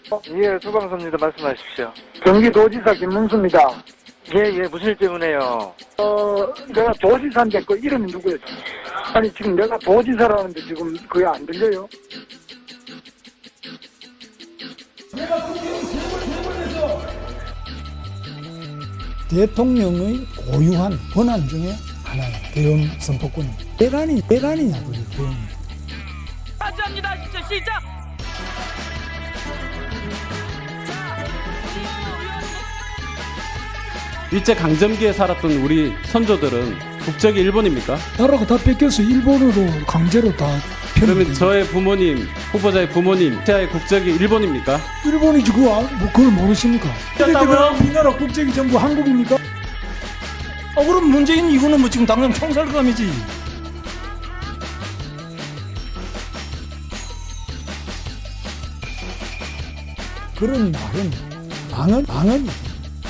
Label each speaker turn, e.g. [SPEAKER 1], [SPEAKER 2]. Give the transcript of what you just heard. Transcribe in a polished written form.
[SPEAKER 1] 예, 소방서입니다. 말씀하십시오.
[SPEAKER 2] 경기도지사 김문수입니다.
[SPEAKER 1] 예, 무슨 일 때문에요?
[SPEAKER 2] 내가 도지사인데 그 이름이 누구예요? 아니, 지금 내가 도지사라는데 지금 그게 안 들려요?
[SPEAKER 3] 대통령의 고유한 권한 중에 하나예요. 대응 선포권이. 대란이냐, 그게 대응.
[SPEAKER 4] 하지합니다. 시작.
[SPEAKER 5] 일제 강점기에 살았던 우리 선조들은 국적이 일본입니까?
[SPEAKER 3] 나라가 다 뺏겨서 일본으로 강제로 다
[SPEAKER 5] 그러면 저의 부모님, 후보자의 부모님, 태아의 국적이 일본입니까?
[SPEAKER 3] 일본이지 그걸 모르십니까?
[SPEAKER 5] 였다고요?
[SPEAKER 3] 우리나라 국적이 전부 한국입니까? 그럼 문재인 이거는 뭐 지금 당장 총살감이지. 그런 말은 망언이지.